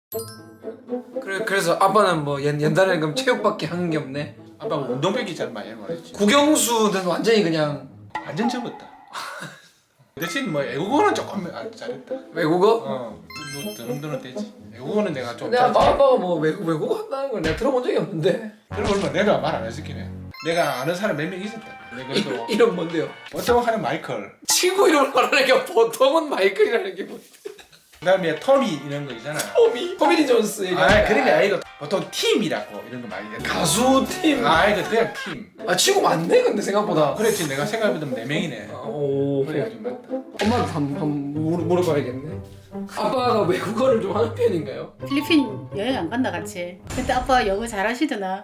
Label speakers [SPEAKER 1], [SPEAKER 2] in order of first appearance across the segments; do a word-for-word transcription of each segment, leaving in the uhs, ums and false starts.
[SPEAKER 1] 그래, 그래서 아빠는 뭐 옛, 옛날에는 그럼 체육밖에 한 게 없네.
[SPEAKER 2] 아빠가 운동백이 잘 많이 말했지.
[SPEAKER 1] 국영수는 완전히 그냥
[SPEAKER 2] 완전 접었다. 대신 뭐 애국어는 조금 아, 잘했다.
[SPEAKER 1] 외국어?
[SPEAKER 2] 어, 드는드는 되지. 애국어는 내가 좀.
[SPEAKER 1] 근데 아빠, 아빠가 뭐 외국, 외국어 한다는 걸 내가 들어본 적이 없는데.
[SPEAKER 2] 그러고 얼마 내가 말 안 했었긴 해. 내가 아는 사람 몇 명 있었다. 내가
[SPEAKER 1] 이,
[SPEAKER 2] 그래도
[SPEAKER 1] 이름 뭔데요?
[SPEAKER 2] 보통 하는 마이클.
[SPEAKER 1] 친구 이름을 말하는 게 보통은 마이클이라는 게 뭐?
[SPEAKER 2] 그다음에 토미 이런 거 있잖아.
[SPEAKER 1] 토미? 토미리 존스 얘기.
[SPEAKER 2] 아 그런 게 아니고 보통 팀이라고 이런 거 많이 해.
[SPEAKER 1] 가수 팀.
[SPEAKER 2] 아 이거 그냥 팀.
[SPEAKER 1] 아 친구 많네 근데 생각보다.
[SPEAKER 2] 그랬지 내가 생각해보면 네 명이네.
[SPEAKER 1] 오.
[SPEAKER 2] 그래가지고 맞다.
[SPEAKER 1] 엄마한테 한번 한번 물어, 물어봐야겠네. 아빠가 외국어를 좀 하는 편인가요?
[SPEAKER 3] 필리핀 여행 안 간다 같이. 그때 아빠 영어 잘하시더나.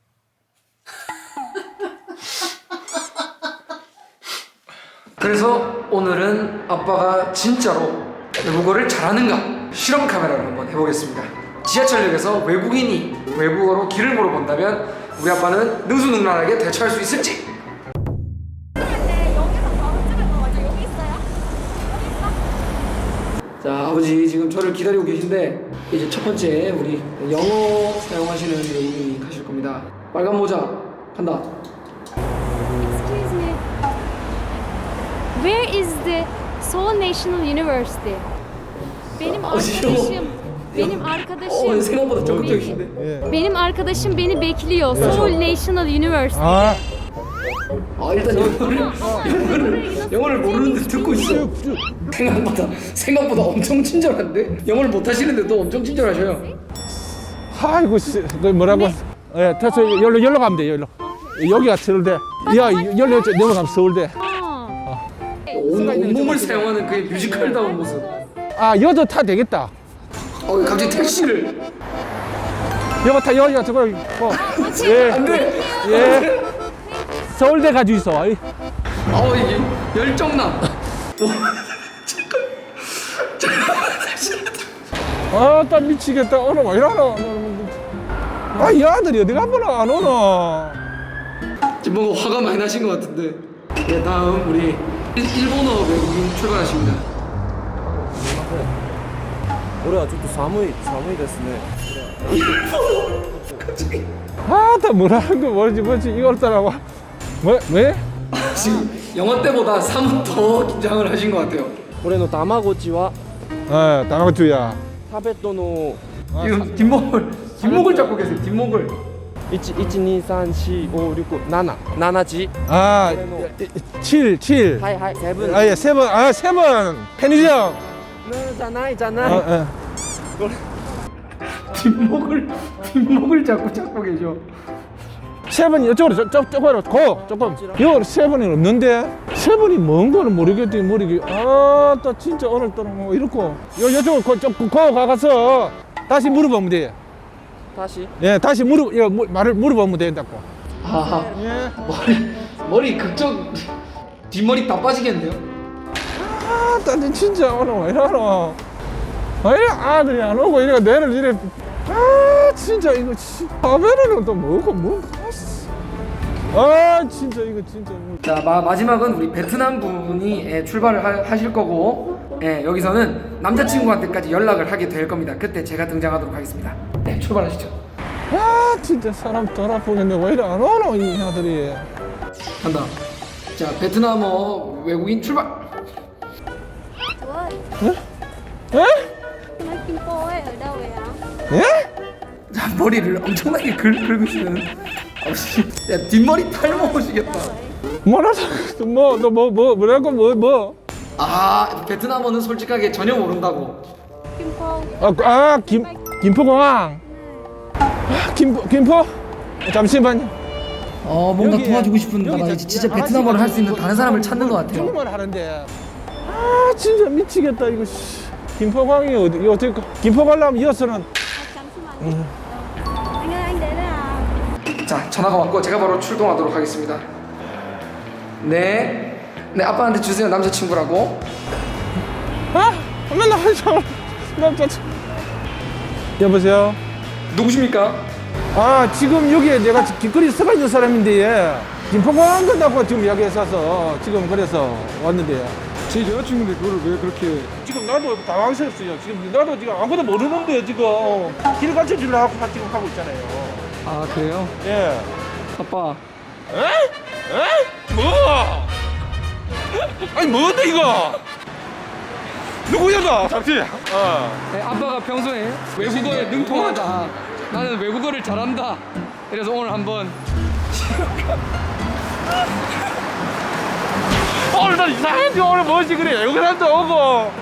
[SPEAKER 1] 그래서 오늘은 아빠가 진짜로 외국어를 잘하는가 실험 카메라를 한번 해보겠습니다. 지하철역에서 외국인이 외국어로 길을 물어본다면 우리 아빠는 능수능란하게 대처할 수 있을지. 자, 아버지 지금 저를 기다리고 계신데 이제 첫 번째 우리 영어 사용하시는 외국인이 가실 겁니다. 빨간 모자 간다.
[SPEAKER 4] Excuse me. Where is the Seoul National University? Benim arkadaşım, benim
[SPEAKER 1] 어,
[SPEAKER 4] arkadaşım,
[SPEAKER 1] 생각보다 적극적이신데.
[SPEAKER 4] benim arkadaşım beni bekliyor. Seoul National University.
[SPEAKER 2] 아
[SPEAKER 1] 아 일단 영어를 영어를 영어를 모르는데 듣고 있어. 생각보다 생각보다 엄청 친절한데 영어를 못 하시는데도 엄청 친절하셔요.
[SPEAKER 5] 아이고 씨, 그 뭐라고? 예, 됐어. 열로 열로 가면 돼. 열로. 여기가 서울대. 야, 열로 넘어가면 서울대.
[SPEAKER 4] 어.
[SPEAKER 1] 온, 온몸을 사용하는 그의 뮤지컬다운 모습.
[SPEAKER 5] 아, 여도 타 되겠다.
[SPEAKER 1] 어 갑자기 택시를.
[SPEAKER 5] 여기 타 여기가 저거. 어. 예,
[SPEAKER 1] 안돼.
[SPEAKER 5] 예. 서울대 가지고 있어. 아이.
[SPEAKER 1] 어 이게 열정남.
[SPEAKER 5] 아, 딱 미치겠다. 오늘 왜 이러노? 아, 이 아들이 어디 가보나 안 오노?
[SPEAKER 1] 지금 뭔가 화가 많이 나신 것 같은데. 네 다음 우리 일, 일본어 외국인 출발하십니다.
[SPEAKER 6] 俺はちょっと寒い寒いですね
[SPEAKER 5] 아, 다 뭐라는 거 뭐지 뭐지 이걸 따라와. 뭐 왜?
[SPEAKER 1] 지금 영어 때보다 사뭇 더 긴장을 하신 것 같아요.
[SPEAKER 6] 俺の卵ちは
[SPEAKER 5] 어, 다나고투야.
[SPEAKER 6] タベットの
[SPEAKER 1] 지금 뒷목을 뒷목을 잡고 계세요. 뒷목을.
[SPEAKER 6] いちいちにさんしごろくなななな지
[SPEAKER 5] 아, 칠, 칠.
[SPEAKER 6] はいはいセブン
[SPEAKER 5] 아, 예, 세 번. 아, 세 번. 편의점.
[SPEAKER 6] じゃないじゃ
[SPEAKER 5] 어,
[SPEAKER 6] ない
[SPEAKER 5] 어.
[SPEAKER 1] 뒷목을 뒷목을 잡고 잡고 계셔.
[SPEAKER 5] 세 번이 이쪽으로 저, 저, 저쪽으로 고 조금 여기 세 번이 없는데 세 번이 뭔 거는 모르겠더니 모르기 아또 진짜 오늘따라 뭐 이렇고 요 이쪽으로 고, 저, 고 가서 다시 물어보면 돼.
[SPEAKER 6] 다시
[SPEAKER 5] 예, 다시 물어 이거 물- 말을 물어보면 된다고.
[SPEAKER 1] 아
[SPEAKER 5] 예.
[SPEAKER 1] 머리 머리 극적 뒷머리 다 빠지겠네요.
[SPEAKER 5] 아, 나 진짜 오늘 왜 이러노? 왜 이래 아들이 안 오고 이래 내를 이래 아 진짜 이거 화면에는 또 뭐고 뭔가 아 진짜 이거 진짜 뭐.
[SPEAKER 1] 자 마, 마지막은 우리 베트남 분이 예, 출발을 하, 하실 거고 예, 여기서는 남자친구한테까지 연락을 하게 될 겁니다. 그때 제가 등장하도록 하겠습니다. 네 출발하시죠.
[SPEAKER 5] 아 진짜 사람 덜 아프겠네 왜 이래 안 오노 이 아들이.
[SPEAKER 1] 간다. 자 베트남어 외국인 출발.
[SPEAKER 5] 에?
[SPEAKER 4] Nói Kim Po ấy ở đâu vậy ạ?
[SPEAKER 5] 예?
[SPEAKER 1] 자 머리를 엄청나게 긁, 긁으시는 아버지. 야 뒷머리 탈모시겠다.
[SPEAKER 5] 뭐라고 뭐너뭐 뭐 뭐라고 뭐 뭐?
[SPEAKER 1] 아 베트남어는 솔직하게 전혀 모른다고.
[SPEAKER 4] Kim Po.
[SPEAKER 5] 아김 김포공항. 아, 김포 김포 잠시만요.
[SPEAKER 1] 어 뭔가
[SPEAKER 5] 여기,
[SPEAKER 1] 도와주고 싶은데
[SPEAKER 5] 여기
[SPEAKER 1] 나
[SPEAKER 5] 저-
[SPEAKER 1] 이제 진짜
[SPEAKER 5] 아저씨가
[SPEAKER 1] 베트남어를 할 수 있는
[SPEAKER 5] 이거
[SPEAKER 1] 다른 사람을 찾는 것 같아요.
[SPEAKER 5] 중국말 하는데 아 진짜 미치겠다 이거 씨. 김포공항이 어디 이거 어떻게 김포 가려면 이어서는
[SPEAKER 4] 잠시만요. Anh ơi anh đến đây à?
[SPEAKER 1] 자 전화가 왔고 제가 바로 출동하도록 하겠습니다. 네, 네 아빠한테 주세요 남자친구라고.
[SPEAKER 5] 아 맨날 하죠 남자 여보세요.
[SPEAKER 1] 누구십니까?
[SPEAKER 5] 아 지금 여기에 내가 길거리 서가 있는 사람인데 예. 김포공항 간다고 지금 이야기했어서 지금 그래서 왔는데
[SPEAKER 1] 제 여자친구인데 그걸 왜 그렇게
[SPEAKER 5] 지금 나도 당황스럽어요. 지금 나도 지금 아무도 모르는데 지금 길 가르쳐 주려고 지금 하고 있잖아요.
[SPEAKER 1] 아 그래요?
[SPEAKER 5] 예.
[SPEAKER 1] 아빠
[SPEAKER 5] 에? 에? 뭐? 아니 뭔데 이거? 누구야 너? 잠시. 어.
[SPEAKER 1] 네, 아빠가 평소에 외국어에 능통하다 나는 외국어를 잘한다 이래서 오늘 한번
[SPEAKER 5] 오늘 나 이상한데 오늘 뭐지 그래? 외국 사람도 오고.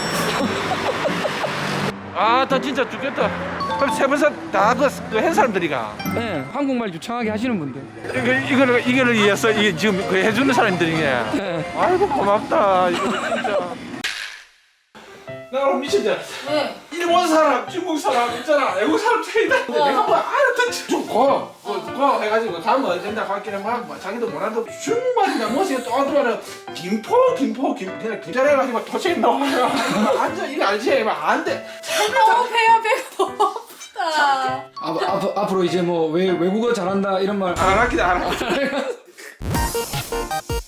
[SPEAKER 5] 아, 나 진짜 죽겠다. 그럼 세 번째 다그한 사람들이가.
[SPEAKER 1] 네, 한국말 유창하게 하시는 분들
[SPEAKER 5] 이거 이거를 이거를 위해서 이 지금 그 해주는 사람들이냐.
[SPEAKER 1] 네.
[SPEAKER 5] 아이고 고맙다. 이거 진짜. 나 오늘 미친다.
[SPEAKER 3] 왜?
[SPEAKER 5] 일본 사람, 중국 사람 있잖아. 외국 사람 차이다. 내가 뭐 알아듣지 좀 고, 고, 고 해가지고 가면 된다 가기는 막 뭐 자기도 몰라도 중국말이나 뭐지 또 어디가는 김포, 김포, 김 그냥 김자래가지고 도체 나와요. 완전 이거 알지? 막 안 돼.
[SPEAKER 3] 너무 배야 배가 너무 아프다.
[SPEAKER 1] 앞, 앞, 앞으로 이제 뭐 외, 외국어 잘한다 이런 말
[SPEAKER 5] 안 할게 안 할게.